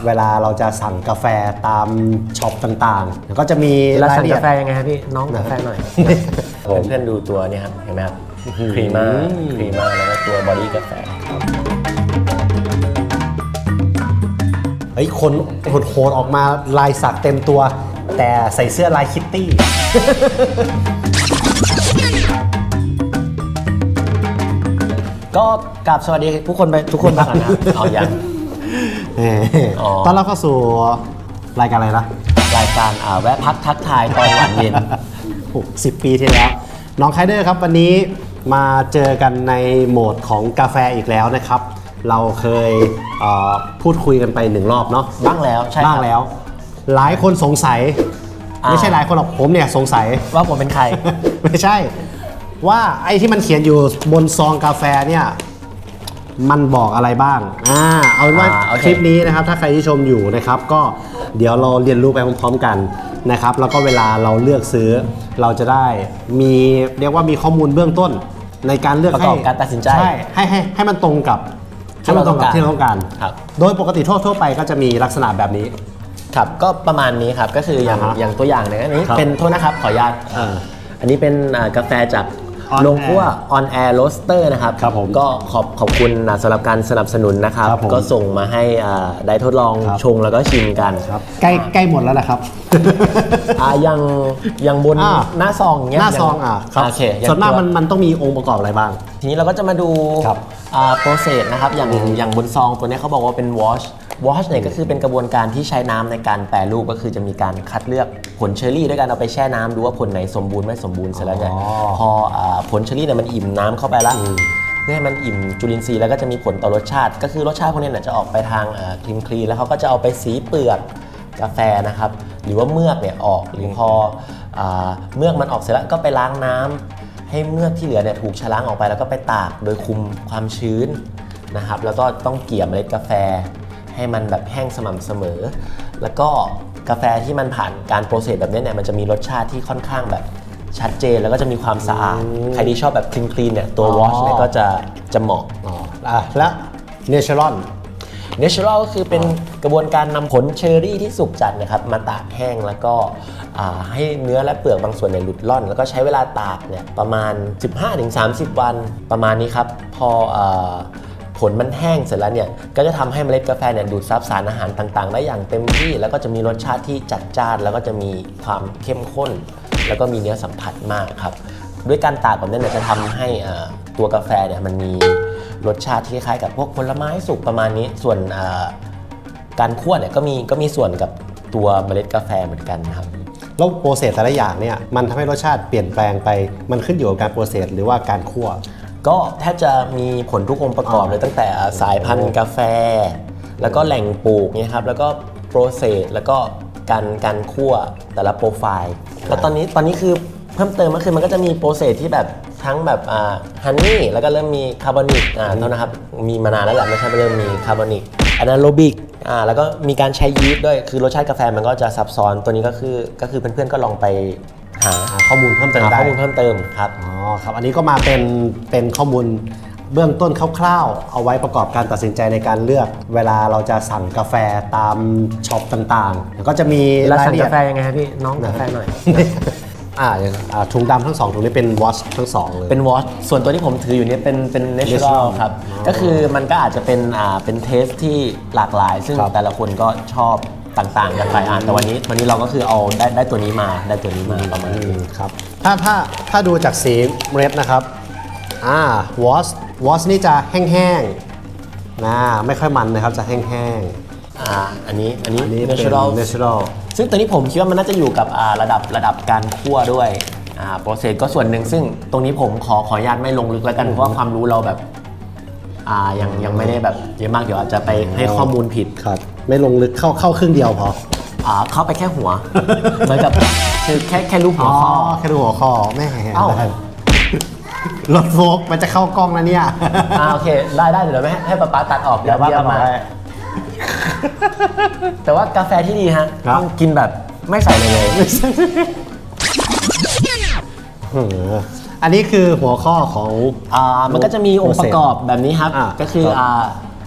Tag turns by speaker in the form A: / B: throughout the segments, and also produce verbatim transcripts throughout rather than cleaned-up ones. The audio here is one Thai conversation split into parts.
A: เวลาเราจะสั่งกาแฟตามช็อปต่างๆแล้วก็จะมี
B: แล้ว
A: ราย
B: สั่
A: ละ
B: ง
A: เอีย
B: กา
A: ด
B: แฟยังไงครับพี่น้องกาแฟหน่อยเพื่อนๆดูตัวนี้ครับเห็นไหมครับครีม่าครีม่าแล้วก็ตัวบอดี้กาแฟ
A: เฮ้ยคนโหดๆออกมาลายสักเต็มตัวแต่ใส่เสื้อลายคิตตี้
B: ก็กราบสวัสดีทุกคนไปทุกคนบ้างนะเอาอย่าง
A: ตอนเราเข้าสู่รายการอะไรนะ
B: รายการอ่าแวะพักทักทายตอนหวานเย็น
A: สิบปีที่แล้วน้องไคเดอร์ครับวันนี้มาเจอกันในโหมดของกาแฟอีกแล้วนะครับเราเคยพูดคุยกันไปหนึ่งรอบเนาะ
B: บ้างแล้วใช่
A: บ้างแล้วหลายคนสงสัยไม่ใช่หลายคนหรอกผมเนี่ยสงสัย
B: ว่าผมเป็นใคร
A: ไม่ใช่ว่าไอ้ที่มันเขียนอยู่บนซองกาแฟเนี่ยมันบอกอะไรบ้างอ่าเอาเป็นว่าคลิปนี้นะครับถ้าใครที่ชมอยู่นะครับก็เดี๋ยวเราเรียนรู้ไปพร้อมๆกันนะครับแล้วก็เวลาเราเลือกซื้อเราจะได้มีเรียกว่ามีข้อมูลเบื้องต้นในการเลือก
B: ประกอบการตัดสินใจ
A: ใช่ให้ให้ให้มันตรงกับ
B: ที่เราต้องการ
A: ที่เราต้องการโดยปกติทั่วๆไปก็จะมีลักษณะแบบนี้
B: ครับก็ประมาณนี้ครับก็คืออย่างอย่างตัวอย่างเนี่ยอันนี้เป็นโทษนะครับขออนุญาตอันนี้เป็นกาแฟจากโรงคั่ว On Air Roaster นะครับก็ขอบขอบคุณสำหรับการสนับสนุนนะครับก็ส่งมาให้ได้ทดลองชงแล้วก็ชิมกัน
A: ใกล้ใกล้หมดแล้วแหละครับ
B: ยังยังบนหน้าซองเงี้ย
A: หน้าซองอ่ะครับส่วนมากมันมันต้องมีองค์ประกอบอะไรบ้าง
B: ทีนี้เราก็จะมาดูโปรเซสนะครับอย่างอย่างบนซองตัวนี้เขาบอกว่าเป็น wash wash เนี่ยก็คือเป็นกระบวนการที่ใช้น้ำในการแปรรูปก็คือจะมีการคัดเลือกผลเชอร์รี่ด้วยการเอาไปแช่น้ำดูว่าผลไหนสมบูรณ์ไม่สมบูรณ์เสร็จแล้วเนี่ยพอผลเชอร์รี่เนี่ยมันอิ่มน้ำเข้าไปแล้วเพื่อให้มันอิ่มจุลินทรีย์แล้วก็จะมีผลต่อรสชาติก็คือรสชาติพวกนี้เนี่ยจะออกไปทางครีมคลีแล้วเขาก็จะเอาไปสีเปลือกกาแฟนะครับหรือว่าเมือกเนี่ยออกหรือพอเมือกมันออกเสร็จแล้วก็ไปล้างน้ำให้เมือกที่เหลือเนี่ยถูกชะล้างออกไปแล้วก็ไปตากโดยคุมความชื้นนะครับแล้วก็ต้องเกี่ยเมล็ดกาแฟให้มันแบบแห้งสม่ำเสมอแล้วก็กาแฟที่มันผ่านการโปรเซสแบบนี้เนี่ยมันจะมีรสชาติที่ค่อนข้างแบบชัดเจนแล้วก็จะมีความสะอาดใครที่ชอบแบบคลีนคลีนเนี่ยตัววอชเนี่ยก็จะจะเหมาะ
A: อ่ะและเนเชอรัล
B: เนเชอรัลก็คือเป็นกระบวนการนำผลเชอร์รี่ที่สุกจัดนะครับมาตากแห้งแล้วก็ให้เนื้อและเปลือกบางส่วนเนี่ยหลุดล่อนแล้วก็ใช้เวลาตากเนี่ยประมาณ สิบห้าถึงสามสิบ วันประมาณนี้ครับพอผลมันแห้งเสร็จแล้วเนี่ยก็จะทำให้เมล็ดกาแฟเนี่ยดูดซับสารอาหารต่างๆได้อย่างเต็มที่แล้วก็จะมีรสชาติที่จัดจ้านแล้วก็จะมีความเข้มข้นแล้วก็มีเนื้อสัมผัสมากครับด้วยการตากแบบนี้เนี่ยจะทำให้ตัวกาแฟเนี่ยมันมีรสชาติที่คล้ายกับพวกผลไม้สุกประมาณนี้ส่วนการคั่วเนี่ยก็มีก็มีส่วนกับตัวเมล็ดกาแฟเหมือนกันครับ
A: แล้วโปรเซสแต่ละอย่างเนี่ยมันทำให้รสชาติเปลี่ยนแปลงไปมันขึ้นอยู่กับการโปรเซสหรือว่าการคั่ว
B: ก็แทบจะมีผลทุกองค์ประกอบเลยตั้งแต่สายพันธุ์กาแฟแล้วก็แหล่งปลูกเนี่ยครับแล้วก็โปรเซสแล้วก็การการคั่วแต่ละโปรไฟล์แล้วตอนนี้ตอนนี้คือเพิ่มเติมก็คือมันก็จะมีโปรเซสที่แบบทั้งแบบอ่าฮันนี่แล้วก็เริ่มมีคาร์บอนิกอ่าเท่านะครับมีมานานแล้วแหละไม่ใช่เริ่มมีคาร์บอนิกอะนาโรบิกอ่าแล้วก็มีการใช้ยีสต์ด้วยคือรสชาติกาแฟมันก็จะซับซ้อนตัวนี้ก็คือก็คือเพื่อนๆก็ลองไปหา
A: ข้อมูลเพิ่มเติมได้
B: ข้อมูลเพิ่มเติมครับ
A: อ๋อครับอันนี้ก็มาเป็นเป็นข้อมูลเบื้องต้นคร่าวๆเอาไว้ประกอบการตัดสินใจในการเลือกเวลาเราจะสั่งกาแฟตามช็อปต่างๆก็จะมี
B: รายละเอียดกาแฟยังไงครับพี่น้องกาแฟหน่อย
A: อ่าถุงดำทั้งสองถุงนี้เป็นวอชทั้งสองเลย
B: เป็นวอชส่วนตัวที่ผมถืออยู่นี้เป็นเป็นเนเชอรัลครับก็คือมันก็อาจจะเป็นอ่าเป็นเทสที่หลากหลายซึ่งแต่ละคนก็ชอบต่างๆกันไปอ่านแต่วันนี้วันนี้เราก็คือเอาได้ได้ตัวนี้มาได้ตัวนี้มาประมาณนี้
A: ครับถ้าถ้าถ้าดูจากสีเมล็ดนะครับอ่าวอชวอชนี่จะแห้งๆนะไม่ค่อยมันนะครับจะแห้ง
B: ๆอ่าอันนี้อันนี้
A: เนเชอรัลเนเชอรัล
B: ซึ่งตัวนี้ผมคิดว่ามันน่าจะอยู่กับระดับระดับการคั่วด้วยอ่าโปรเซสก็ส่วนหนึ่งซึ่งตรงนี้ผมขอขออนุญาตไม่ลงลึกแล้วกันเพราะว่าความรู้เราแบบอ่ายังยังไม่ได้แบบเยอะมากเดี๋ยวอาจจะไปให้ข้อมูลผิด
A: ครับไม่ลงลึกเข้าเข้าครึ่งเดียวพอ
B: อ่าเข้าไปแค่หัวเหมือนกับคือแค่แค่รูปหัวข้อ
A: แค่รูปหัวข้อแม่เอ้ารถโฟกมันจะเข้ากล้องแล้วเนี่ย
B: อ่าโอเคได้ได้เดี๋ยวไม่ให้ป๊าป๊าตัดออกเดี๋ยวว่ามาแต่ว่ากาแฟที่ดีฮะต้องกินแบบไม่ใส่เลยเลย
A: อันนี้คือหัวข้อของ
B: อ่ามันก็จะมีองค์ประกอบแบบนี้ครับก็คืออ่า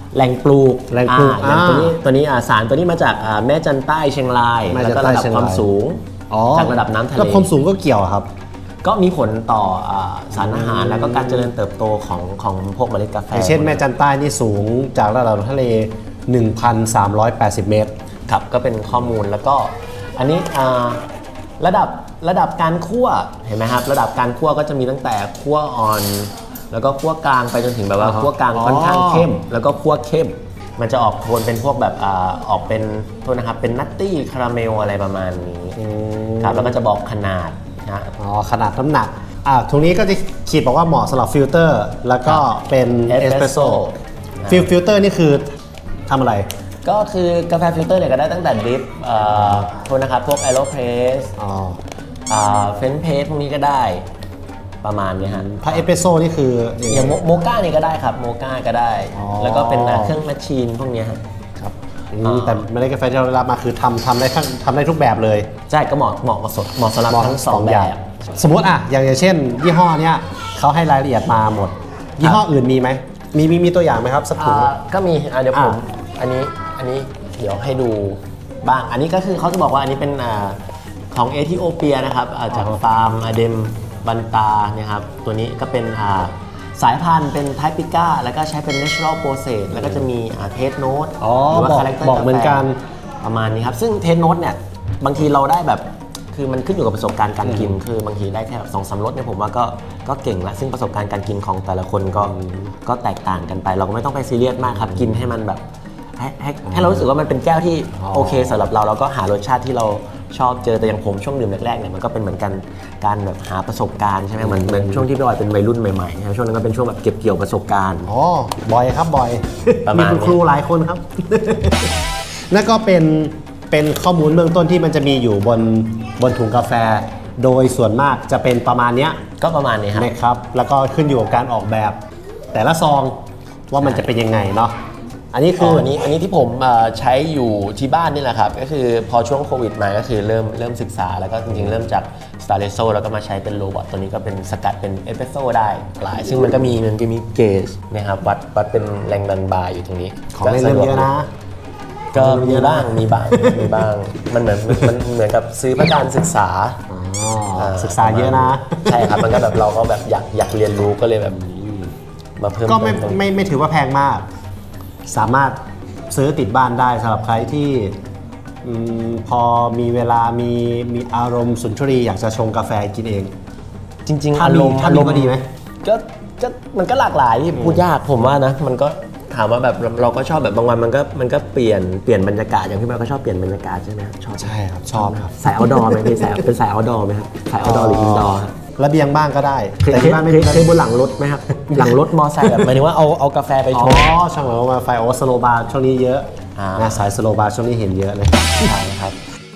B: แหล่งปลูก
A: แหล่งปลูก
B: อ่าอย่างตัวนี้
A: อ่า
B: ตัวนี้อ่าสารตัวนี้มาจากอ่าแม่จันใต้เชียงราย
A: แม่จั
B: แล้ว
A: น
B: ก็
A: ใต้
B: ระดับ
A: เชียง
B: ความ
A: ราย
B: สูง
A: อ๋อ
B: จากระดับน้ำทะเล
A: แล้วความสูงก็เกี่ยวครับ
B: ก็มีผลต่ออ่าสารอาหารแล้วก็การเจริญเติบโตของของพวกเมล็ดกาแฟ
A: อย่างเช่นแม่จันใต้นี่สูงจากระดับทะเล หนึ่งพันสามร้อยแปดสิบ เมตร
B: ครับก็เป็นข้อมูลแล้วก็อันนี้อ่าระดับระดับการคั่วเห็นไหมครับระดับการคั่วก็จะมีตั้งแต่คั่วอ่อน แล้วก็คั่วกลางไปจนถึงแบบว่า
A: อ่าฮะ
B: คั่วกลาง
A: อ๋อ
B: ค่อนข้างเข้ม แล้วก็คั่วเข้ม มันจะออกโทนเป็นพวกแบบอ่าออกเป็นโทษนะครับเป็นนัตตี้คาราเมลอะไรประมาณนี้ครับแล้วก็จะบอกขนาดนะ
A: อ๋อขนาดน้ำหนักอ่าตรงนี้ก็จะขีดบอกว่าเหมาะสำหรับฟิลเตอร์ แล้วก็เป็นเอสเปรสโซ่ฟิลฟิลเตอร์นี่คือทำอะไร
B: ก็คือกาแฟฟิลเตอร์เนี่ยก็ได้ตั้งแต่ดริปเอ่อโทษนะครับพวกแอโรเพรส
A: อ๋อ
B: เฟรนเพสพวกนี้ก็ได้ประมาณเนี้ยฮะ
A: ถ้าเอสเปรสโซ่นี่คือ
B: อย่างโมโมก้านี่ก็ได้ครับโมก้าก็ได้
A: อ๋อ
B: แล้วก็เป็นเครื่องแมชชีนพวกเนี้ยฮะ
A: ครับอืมแต่เมล็ดกาแฟที่เราได้รับมาคือทำทำได้ทั้งทำได้ทุกแบบเลย
B: ใช่ก็เหมาะเหมาะกับสดเหมาะสำหรับทั้งสองแบบ
A: สมมติอ่ะอย่างอย่างเช่น ยี่ห้อเนี้ยเขาให้รายละเอียดมาหมด ยี่ห้ออื่นมีไหมมีมีมีตัวอย่างไหมครับสักถุง
B: อ่าก็มีอ่ะเดี๋ยวผม
A: อ่ะ
B: อันนี้อันนี้เดี๋ยวให้ดูบ้าง อันนี้ก็คือเขาจะบอกว่าอันนี้เป็นอ่าของเอธิโอเปียนะครับอ่าจากฟาร์มอเดมบันตาเนี่ยครับตัวนี้ก็เป็นอ่าสายพันธุ์เป็นไทปิก้าแล้วก็ใช้เป็น natural process แล้วก็จะมีเทสโนต
A: อ๋อ
B: หรือว่า
A: บอก
B: คาแรคเตอร์
A: บอกเหมือนกัน
B: ประมาณนี้ครับ ซึ่งเทสโนตเนี่ยบางทีเราได้แบบคือมันขึ้นอยู่กับประสบการณ์การกิน คือบางทีได้แค่แบบสองสามรสเนี่ยผมว่าก็ก็เก่งละซึ่งประสบการณ์การกินของแต่ละคนก็ก็แตกต่างกันไป เราก็ไม่ต้องไปซีเรียสมากครับกินให้มันแบบให้ให้ให้เรารู้สึกว่ามันเป็นแก้วที่
A: อ๋อ
B: โอเคสำหรับเราแล้วก็หารสชาติที่เราชอบเจอแต่อย่างผมช่วงดื่มแรกๆเนี่ยมันก็เป็นเหมือนกันการแบบหาประสบการณ์ใช่ไหมเหมือนเหมือนช่วงที่พี่บอยเป็นวัยรุ่นใหม่ๆนะครับช่วงนั้นก็เป็นช่วงแบบเก็บเกี่ยวประสบการณ์
A: อ๋อ บอยครับบอย
B: ประ
A: มี
B: มาณ
A: คุณครูหลายคนครับ นั่นก็เป็นเป็นข้อมูลเบื้องต้นที่มันจะมีอยู่บนบนถุงกาแฟ โดยส่วนมากจะเป็นประมาณเนี้ย
B: ก็ประมาณนี้ครับ
A: นะครับ แล้วก็ขึ้นอยู่กับการออกแบบ แต่ละซองว่ามันจะเป็นยังไงเนาะ อันนี้
B: คื
A: คือ อ
B: อันนี้อันนี้ที่ผมเอ่อใช้อยู่ที่บ้านนี่แหละครับ ก็คือพอช่วงโควิดมาก็คือเริ่มเริ่มศึกษาแล้วก็จริงๆ เริ่มจาก s t a r โซแล้วก็มาใช้เป็นโรบอทตัวนี้ก็เป็นสกัดเป็นเอสเปรสโซได้หลาย ซึ่งมันก็มีมันก็มีเกจนะครับวัดวัดเป็นแรงดันบาร์อยู่ตรงนี้
A: ของเล่นเริ่มเยอะนะ
B: ก็มีบ้างมีบ้างมีบ้าง มันเหมือนมันเหมือนกับซื้อเพื่อการศึกษา
A: อ๋อ ศึกษาเยอะนะ
B: ใช่ครับมันก็แบบเราก็แบบอยากอยากเรียนรู้ก็เลยแบบมาเพิ่ม
A: ก็ไม่
B: เติ
A: ไม่ไม่ถือว่าแพงมาก สามารถซื้อติดบ้านได้สำหรับใครที่อืมพอมีเวลามีมีอารมณ์สุนทรีย์อยากจะชงกาแฟกินเอง
B: จริงๆ
A: ถ้า
B: อา
A: มี
B: รมณ์
A: ถ้ามีก็ดีไหม
B: ก็ก็มันก็หลากหลายพูดยากผมว่านะมันก็ถามว่าแบบเราเราก็ชอบแบบบางวันมันก็มันก็เปลี่ยนเปลี่ยนบรรยากาศอย่างพี่บอยก็ชอบเปลี่ยนบรรยากาศใช่ไหมครับชอบ
A: ใช่ครับชอบครับ
B: สายเอาดอไหมพี่สายเป็นสายเอาดอไหมครับสายเอาดอหรืออินดอร์
A: ระเบียงบ้างก็ได้
B: เคย
A: แต่
B: เค
A: ที่
B: ย
A: บ้านไม่
B: เค
A: มี
B: ยเคยบนหลังรถไหมครับ หลังรถมอไซค์แบบหมายถึงว่าเอาเอากาแฟไป
A: อ๋
B: ช
A: อง ช่างหมายว่าไฟโอสโลบาร์ช่วงนี้เยอะ
B: อ่า
A: นะสายสโลบาร์ช่วงนี้เห็นเยอะเลย
B: ใช่ครับ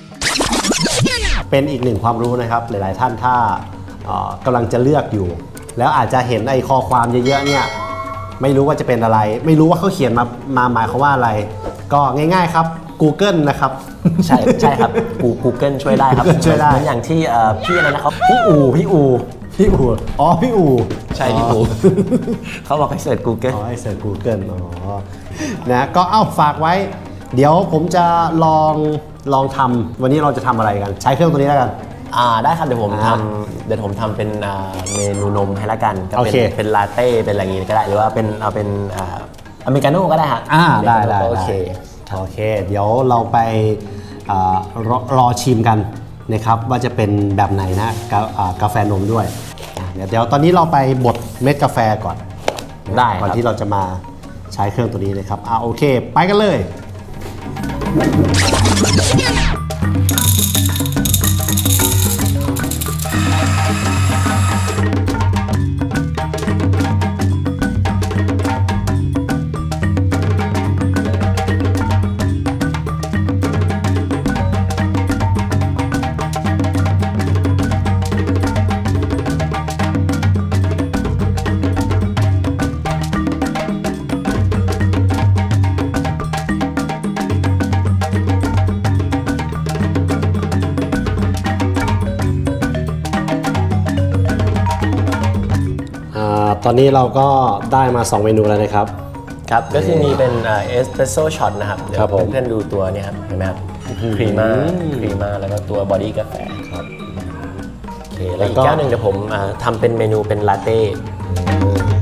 A: เป็นอีกหนึ่งความรู้นะครับ หลาย ๆ ท่านถ้าเอ่อกำลังจะเลือกอยู่ แล้วอาจจะเห็นไอ้ข้อความเยอะ ๆ เนี่ย ไม่รู้ว่าจะเป็นอะไร ไม่รู้ว่าเขาเขียนมามาหมายความว่าอะไร ก็ง่าย ๆ ครับ Google นะครับ
B: ใช่ใช่ครับกู Google ช่วยได้ครับ
A: ช่วยได้
B: เหมือนอย่างที่เอ่อพี่อะไรนะครับพี่อูพี่อู
A: พี่อูอ๋อ พี่อู
B: ใช่พี่อูเขาบอกให้เสิร์ช Google
A: อ๋อไอเสิร์ช Google อ๋อ นะ ก็เอ้าฝากไว้ เดี๋ยวผมจะลองลองทำวันนี้เราจะทำอะไรกัน ใช้เครื่องตัวนี้แล้วกัน
B: อ่าได้ครับเดี๋ยวผม
A: อ่า
B: ทำเดี๋ยวผมทำเป็นอ่าเมนูนมให้ละกันก็
A: โอ
B: เป็น
A: เค
B: เป็นลาเต้เป็นอะไรอย่างงี้ก็ได้หรือว่าเป็นเอาเป็นอ่าอเมริกาโน่ก็ได้ฮะ
A: อ่าได้ได้
B: โอเค
A: ได้โอเค เดี๋ยวเราไปอ่ารอรอชิมกันนะครับ ว่าจะเป็นแบบไหนนะกาอ่ากาแฟนมด้วยอ่ะเดี๋ยวเดี๋ยวตอนนี้เราไปบดเม็ดกาแฟก่อน
B: ได้ค
A: ก่อน
B: รับ
A: ที่เราจะมาใช้เครื่องตัวนี้เลยครับอ่าโอเค ไปกันเลย อ่าตอนนี้เราก็ได้มา สอง เมนูแล้วนะครับ
B: ครับก็คือมีเป็นเอสเปรสโซ่ช็อตนะครับเดี๋ยว
A: ครับผม
B: เพื่อนๆดูตัวนี้ครับเห็นไหมครับครีม่าครีม่าแล้วก็ตัวบอดี้กาแฟ
A: ครับ
B: โอเคแล้วอีกแก้วหนึ่งเดี๋ยวผมอ่าทำเป็นเมนูเป็นลาเต้